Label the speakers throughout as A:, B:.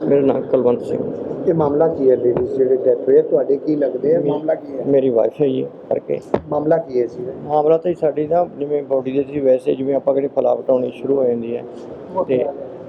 A: ਮੇਰਾ ਨਾਮ ਕੁਲਵੰਤ ਸਿੰਘ।
B: ਇਹ ਮਾਮਲਾ ਕੀ ਹੈ? ਲੇਡੀਜ਼ ਜਿਹੜੇ ਡੈਥ ਹੋਏ ਤੁਹਾਡੇ ਕੀ ਲੱਗਦੇ ਆ? ਮਾਮਲਾ ਕੀ ਹੈ?
A: ਮੇਰੀ ਵਾਈਫ ਹੈ ਜੀ ਕਰਕੇ।
B: ਮਾਮਲਾ ਕੀ ਹੈ ਸੀ?
A: ਮਾਮਲਾ ਤਾਂ ਜੀ ਸਾਡੀ ਨਾ ਜਿਵੇਂ ਬੋਡੀ ਦੇ ਸੀ, ਵੈਸੇ ਜਿਵੇਂ ਆਪਾਂ ਕਿਹੜੀ ਫਲਾਵਟ ਆਉਣੀ ਸ਼ੁਰੂ ਹੋ ਜਾਂਦੀ ਹੈ ਅਤੇ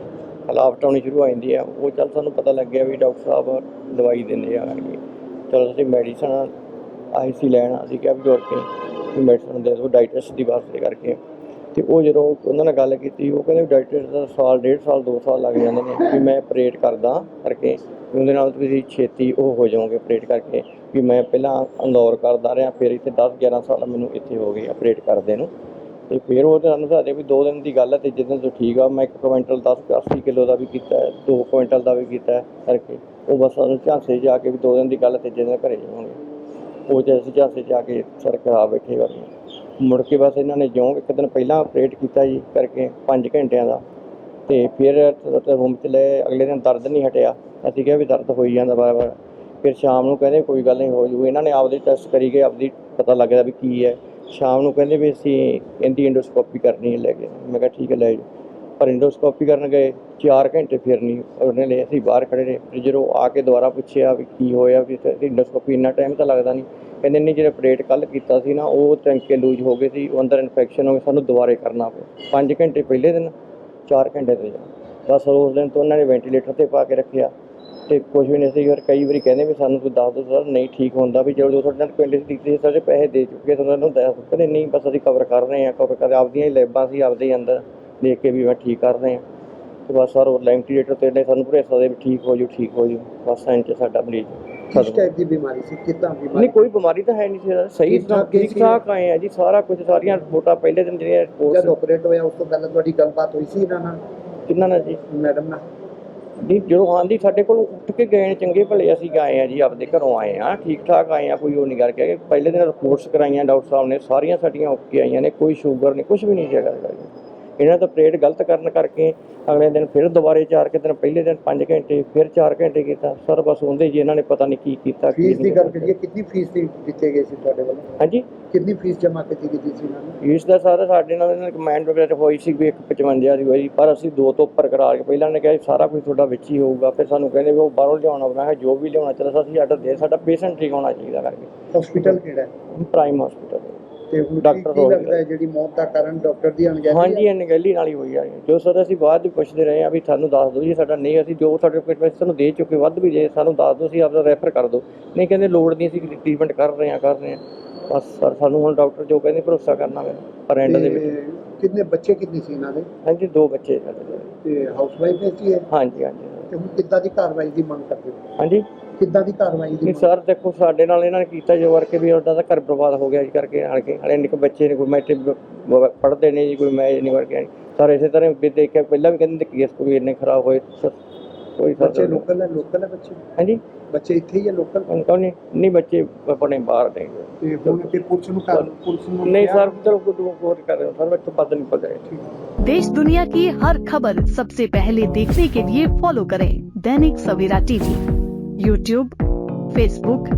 A: ਫਲਾਵਟ ਆਉਣੀ ਸ਼ੁਰੂ ਹੋ ਜਾਂਦੀ ਹੈ, ਉਹ ਚੱਲ ਸਾਨੂੰ ਪਤਾ ਲੱਗਿਆ ਵੀ ਡਾਕਟਰ ਸਾਹਿਬ ਦਵਾਈ ਦਿੰਦੇ ਆ ਕਰਕੇ। ਚਲੋ ਅਸੀਂ ਮੈਡੀਸਨ ਆਈ ਸੀ ਲੈਣ, ਅਸੀਂ ਕਿਹਾ ਵੀ ਦੌੜ ਕੇ ਮੈਡੀਸਨ ਦੇ ਦਿਓ ਡਾਇਟਿਸਟ ਦੀ ਵਾਸਤੇ ਕਰਕੇ। ਅਤੇ ਉਹ ਜਦੋਂ ਉਹਨਾਂ ਨਾਲ ਗੱਲ ਕੀਤੀ, ਉਹ ਕਹਿੰਦੇ ਵੀ ਡਾਇਟਿਸਟ ਦਾ ਸਾਲ, 1.5 ਸਾਲ, 2 ਸਾਲ ਲੱਗ ਜਾਂਦੇ ਨੇ ਵੀ ਮੈਂ ਆਪਰੇਟ ਕਰਦਾ ਕਰਕੇ, ਵੀ ਉਹਦੇ ਨਾਲ ਤੁਸੀਂ ਛੇਤੀ ਉਹ ਹੋ ਜਾਓਗੇ ਆਪਰੇਟ ਕਰਕੇ। ਵੀ ਮੈਂ ਪਹਿਲਾਂ ਇੰਦੌਰ ਕਰਦਾ ਰਿਹਾ, ਫਿਰ ਇੱਥੇ 10-11 ਸਾਲ ਮੈਨੂੰ ਇੱਥੇ ਹੋ ਗਏ ਆਪਰੇਟ ਕਰਦੇ ਨੂੰ। ਅਤੇ ਫਿਰ ਉਹ ਸਾਨੂੰ ਦੱਸਦੇ ਵੀ 2 ਦਿਨ ਦੀ ਗੱਲ ਹੈ, ਤੀਜੇ ਦਿਨ ਤੋਂ ਠੀਕ ਆ। ਮੈਂ 1 ਕੁਇੰਟਲ 80 ਕਿਲੋ ਦਾ ਵੀ ਕੀਤਾ, 2 ਕੁਇੰਟਲ ਦਾ ਵੀ ਕੀਤਾ ਕਰਕੇ। ਉਹ ਬਸ ਸਾਨੂੰ ਝਾਂਸੇ 'ਚ ਆ ਕੇ ਵੀ 2 ਦਿਨ ਦੀ ਗੱਲ, ਤੀਜੇ ਦਿਨ ਘਰੇ ਜਾਵਾਂਗੇ। ਉਹ 'ਚ ਅਸੀਂ ਝਾਂਸੇ 'ਚ ਆ ਕੇ ਸਰ ਕਰਾ ਬੈਠੇ ਵਾਲੀ। ਮੁੜ ਕੇ ਬਸ ਇਹਨਾਂ ਨੇ ਜਿਉਂ 1 ਦਿਨ ਪਹਿਲਾਂ ਆਪਰੇਟ ਕੀਤਾ ਜੀ ਕਰਕੇ 5 ਘੰਟਿਆਂ ਦਾ, ਅਤੇ ਫਿਰ ਰੂਮ 'ਚ ਲਏ। ਅਗਲੇ ਦਿਨ ਦਰਦ ਨਹੀਂ ਹਟਿਆ, ਅਸੀਂ ਕਿਹਾ ਵੀ ਦਰਦ ਹੋਈ ਜਾਂਦਾ ਵਾਰ-ਵਾਰ। ਫਿਰ ਸ਼ਾਮ ਨੂੰ ਕਹਿੰਦੇ ਕੋਈ ਗੱਲ ਨਹੀਂ ਹੋ ਜੂ। ਇਹਨਾਂ ਨੇ ਆਪਦੇ ਟੈਸਟ ਕਰੀ ਗਏ, ਆਪਦੀ ਪਤਾ ਲੱਗਦਾ ਵੀ ਕੀ ਹੈ। ਸ਼ਾਮ ਨੂੰ ਕਹਿੰਦੇ ਵੀ ਅਸੀਂ ਇਹਦੀ ਇੰਡੋਸਕੋਪੀ ਕਰਨੀ ਹੈ, ਲੈ ਕੇ। ਮੈਂ ਕਿਹਾ ਠੀਕ ਹੈ ਲੈ ਜਾਓ। ਪਰ ਇੰਡੋਸਕੋਪੀ ਕਰਨ ਗਏ 4 ਘੰਟੇ, ਫਿਰ ਨਹੀਂ ਉਹਨੇ ਲਈ। ਅਸੀਂ ਬਾਹਰ ਖੜ੍ਹੇ ਰਹੇ, ਫਿਰ ਜਦੋਂ ਆ ਕੇ ਦੁਬਾਰਾ ਪੁੱਛਿਆ ਵੀ ਕੀ ਹੋਇਆ, ਵੀ ਇੰਡੋਸਕੋਪੀ ਇੰਨਾ ਟਾਈਮ ਤਾਂ ਲੱਗਦਾ ਨਹੀਂ। ਕਹਿੰਦੇ ਨਹੀਂ, ਜਿਹੜਾ ਆਪਰੇਟ ਕੱਲ੍ਹ ਕੀਤਾ ਸੀ ਨਾ, ਉਹ ਟੈਂਕੇ ਲੂਜ ਹੋ ਗਏ ਸੀ, ਉਹ ਅੰਦਰ ਇਨਫੈਕਸ਼ਨ ਹੋ ਗਈ, ਸਾਨੂੰ ਦੁਬਾਰੇ ਕਰਨਾ ਪਿਆ। 5 ਘੰਟੇ ਪਹਿਲੇ ਦਿਨ, 4 ਘੰਟੇ ਤੇ ਬਸ ਉਸ ਦਿਨ ਤੋਂ ਉਹਨਾਂ ਨੇ ਵੈਂਟੀਲੇਟਰ 'ਤੇ ਪਾ ਕੇ ਰੱਖਿਆ ਅਤੇ ਕੁਛ ਵੀ ਨਹੀਂ ਸੀ। ਫਿਰ ਕਈ ਵਾਰੀ ਕਹਿੰਦੇ ਵੀ ਸਾਨੂੰ ਕੋਈ ਦੱਸ ਦਿਓ ਸਰ, ਨਹੀਂ ਠੀਕ ਹੁੰਦਾ ਵੀ ਜਦੋਂ ਤੁਹਾਡੇ ਨਾਲ ਪਿੰਡ 'ਚ ਦਿੱਤੇ ਸੀ ਸਾਰੇ ਪੈਸੇ ਦੇ ਚੁੱਕੇ, ਤੁਹਾਨੂੰ ਦੱਸ। ਕਹਿੰਦੇ ਨਹੀਂ, ਬਸ ਅਸੀਂ ਕਵਰ ਕਰ ਰਹੇ ਹਾਂ, ਕਵਰ ਕਰ ਆਪਦੀਆਂ ਹੀ ਲੈਬਾਂ ਸੀ, ਆਪਦੇ ਹੀ ਅੰਦਰ ਦੇਖ ਕੇ ਵੀ ਮੈਂ ਠੀਕ ਕਰ ਰਹੇ ਹਾਂ। ਅਤੇ ਬਸ ਸਰ ਉਹ ਵੈਂਟੀਲੇਟਰ 'ਤੇ ਨੇ ਸਾਨੂੰ ਭਰੋਸਾ ਦੇ ਵੀ ਠੀਕ ਹੋ ਜੂ, ਠੀਕ ਹੋ ਜੂ। ਬਸ ਇੰਝ ਸਾਡਾ ਮਰੀਜ਼
B: ਕਿਸ ਟਾਈਪ ਦੀ ਬਿਮਾਰੀ ਸੀ? ਕਿੱਦਾਂ ਬਿਮਾਰੀ?
A: ਨਹੀਂ, ਕੋਈ ਬਿਮਾਰੀ ਤਾਂ ਹੈ ਨਹੀਂ ਸੀ, ਸਹੀ ਠੀਕ ਠਾਕ ਆਏ ਆ ਜੀ। ਸਾਰਾ ਕੁਝ, ਸਾਰੀਆਂ ਰਿਪੋਰਟਾਂ ਪਹਿਲੇ ਦਿਨ ਜਿਹੜੀਆਂ
B: ਜਦ ਆਪਰੇਟ ਹੋਇਆ ਉਸ ਤੋਂ ਪਹਿਲਾਂ ਤੁਹਾਡੀ ਗੱਲਬਾਤ ਹੋਈ ਸੀ ਇਹਨਾਂ ਨਾਲ?
A: ਕਿਹਨਾਂ ਨਾਲ ਜੀ?
B: ਮੈਡਮ ਨਾਲ?
A: ਨਹੀਂ, ਜਦੋਂ ਆਉਂਦੀ ਸਾਡੇ ਕੋਲ ਉੱਠ ਕੇ ਗਏ ਨੇ, ਚੰਗੇ ਭਲੇ ਅਸੀਂ ਆਏ ਹਾਂ ਜੀ, ਆਪਦੇ ਘਰੋਂ ਆਏ ਹਾਂ, ਠੀਕ ਠਾਕ ਆਏ ਹਾਂ, ਕੋਈ ਉਹ ਨਹੀਂ ਕਰਕੇ। ਪਹਿਲੇ ਦਿਨ ਰਿਪੋਰਟਸ ਕਰਾਈਆਂ ਡਾਕਟਰ ਸਾਹਿਬ ਨੇ, ਸਾਰੀਆਂ ਸਾਡੀਆਂ ਓਕੇ ਆਈਆਂ ਨੇ, ਕੋਈ ਸ਼ੂਗਰ ਨਹੀਂ, ਕੁਛ ਵੀ ਨਹੀਂ ਹੈਗਾ। ਇਹਨਾਂ ਦਾ ਆਪਰੇਟ ਗਲਤ ਕਰਨ ਕਰਕੇ ਅਗਲੇ ਦਿਨ ਫਿਰ ਦੁਬਾਰੇ 4 ਦਿਨ, ਪਹਿਲੇ ਦਿਨ 5 ਘੰਟੇ, ਫਿਰ 4 ਘੰਟੇ ਕੀਤਾ ਸਰ। ਬਸ ਉਹਦੇ ਜੀ ਇਹਨਾਂ ਨੇ ਪਤਾ ਨਹੀਂ ਕੀ ਕੀਤਾ।
B: ਫੀਸ ਦੀ ਗੱਲ ਕਰੀਏ, ਕਿੰਨੀ ਫੀਸ ਦਿੱਤੇ ਗਏ ਸੀ ਤੁਹਾਡੇ ਵੱਲੋਂ? ਹਾਂਜੀ, ਕਿੰਨੀ ਫੀਸ ਜਮ੍ਹਾਂ ਕੀਤੀ ਗਈ ਸੀ ਇਹਨਾਂ ਨੇ?
A: ਫੀਸ ਦਾ ਸਾਰਾ ਸਾਡੇ ਨਾਲ ਇਹਨਾਂ ਨੇ ਕਮੈਂਡ ਵਗੈਰਾ ਹੋਈ ਸੀ ਵੀ 155 ਦੀ ਹੋਈ, ਪਰ ਅਸੀਂ 2 ਤੋਂ ਉੱਪਰ ਕਰਾ ਕੇ ਪਹਿਲਾਂ ਨੇ ਕਿਹਾ ਸਾਰਾ ਕੁਝ ਤੁਹਾਡਾ ਵਿੱਚ ਹੀ ਹੋਊਗਾ। ਫਿਰ ਸਾਨੂੰ ਕਹਿੰਦੇ ਵੀ ਉਹ ਬਾਹਰੋਂ ਲਿਆਉਣਾ ਪੈਣਾ ਹੈ, ਜੋ ਵੀ ਲਿਆਉਣਾ ਚਾਹੀਦਾ ਅਸੀਂ ਆਰਡਰ ਦੇ, ਸਾਡਾ ਪੇਸ਼ੈਂਟ ਠੀਕ ਹੋਣਾ ਚਾਹੀਦਾ ਕਰਕੇ।
B: ਹਸਪੀਟਲ ਕਿਹੜਾ ਹੈ?
A: Prime hospital.
B: ਤੇ ਡਾਕਟਰ ਕੀ ਲੱਗਦਾ ਹੈ ਜਿਹੜੀ ਮੌਤ ਦਾ ਕਾਰਨ ਡਾਕਟਰ ਦੀ ਅਣਗਹਿਲੀ? ਹਾਂਜੀ, ਅਣਗਹਿਲੀ ਨਾਲ ਹੀ ਹੋਈ ਆ। ਜੋ ਸਰ ਅਸੀਂ ਬਾਅਦ ਵਿੱਚ ਪੁੱਛਦੇ ਰਹੇ ਹਾਂ ਵੀ ਸਾਨੂੰ ਦੱਸ ਦਿਓ ਜੀ, ਸਾਡਾ ਨਹੀਂ, ਅਸੀਂ ਜੋ ਸਰਟੀਫਿਕੇਟ ਸਾਨੂੰ ਦੇ ਚੁੱਕੇ, ਵੱਧ ਵੀ ਜੇ ਸਾਨੂੰ ਦੱਸ ਦਿਓ, ਅਸੀਂ ਆਪਦਾ ਰੈਫਰ ਕਰ ਦਿਓ। ਨਹੀਂ, ਕਹਿੰਦੇ ਲੋੜ ਨਹੀਂ, ਅਸੀਂ ਟ੍ਰੀਟਮੈਂਟ ਕਰ ਰਹੇ ਹਾਂ। ਬਸ ਸਰ ਸਾਨੂੰ ਹੁਣ ਡਾਕਟਰ ਜੋ ਕਹਿੰਦੇ ਭਰੋਸਾ ਕਰਨਾ ਪੈਣਾ। ਪਰ ਐਂਡ ਦੇ ਵਿੱਚ ਕਿੰਨੇ ਬੱਚੇ ਕਿੰਨੇ ਸੀ ਇਹਨਾਂ ਦੇ?
A: ਹਾਂਜੀ, 2 ਬੱਚੇ ਸਾਡੇ।
B: ਤੇ ਹਾਊਸ ਵਾਈਫ ਹੈ ਜੀ? ਹਾਂਜੀ। ਤੇ ਹੁਣ ਕਿੱਦਾਂ ਦੀ ਕਾਰਵਾਈ ਦੀ ਮੰਗ ਕਰਦੇ ਹੋ? ਹਾਂਜੀ, ਕਿੱਦਾਂ ਦੀ ਕਾਰਵਾਈ ਦੀ? ਸਰ ਦੇਖੋ, ਸਾਡੇ ਨਾਲ ਇਹਨਾਂ ਨੇ ਕੀਤਾ ਜੋ ਕਰਕੇ ਵੀ ਉਹਦਾ ਤਾਂ ਘਰ ਬਰਬਾਦ ਹੋ ਗਿਆ ਜੀ ਕਰਕੇ ਆਣ ਕੇ। ਹਲੇ ਨਿੱਕੇ ਬੱਚੇ ਨੇ, ਕੋਈ ਮੈਟ੍ਰਿਕ ਪੜ੍ਹਦੇ ਨੇ ਜੀ, ਕੋਈ ਮੈਚ ਨਹੀਂ ਕਰਕੇ ਸਰ। ਇਸੇ ਤਰ੍ਹਾਂ ਵੀ ਦੇਖਿਆ ਪਹਿਲਾਂ ਵੀ ਕਹਿੰਦੇ ਕੇਸ ਕੋਈ ਇੰਨੇ ਖਰਾਬ ਹੋਏ ਸਰ। ਕੋਈ ਬੱਚੇ ਲੋਕਲ ਹੈ ਬੱਚੇ? ਹਾਂਜੀ, ਬੱਚੇ ਇੱਥੇ ਹੀ ਹੈ ਲੋਕਲ? ਨਹੀਂ, ਬੱਚੇ ਆਪਣੇ ਬਾਹਰ ਨੇ। ਤੇ ਹੁਣ ਤੇ ਪੁਲਿਸ ਨੂੰ ਨਹੀਂ ਸਰ, ਚਲੋ ਕੋਈ ਕਰ ਰਹੇ ਸਰ, ਮੈਨੂੰ ਪਤਾ नहीं पता है।
C: देश दुनिया की हर खबर सबसे पहले देखने के लिए फॉलो करें Dainik Savera TV, YouTube, Facebook,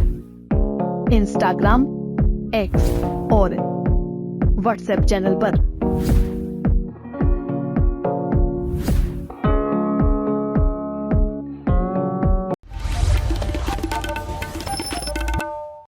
C: Instagram, X और व्हाट्सएप चैनल पर।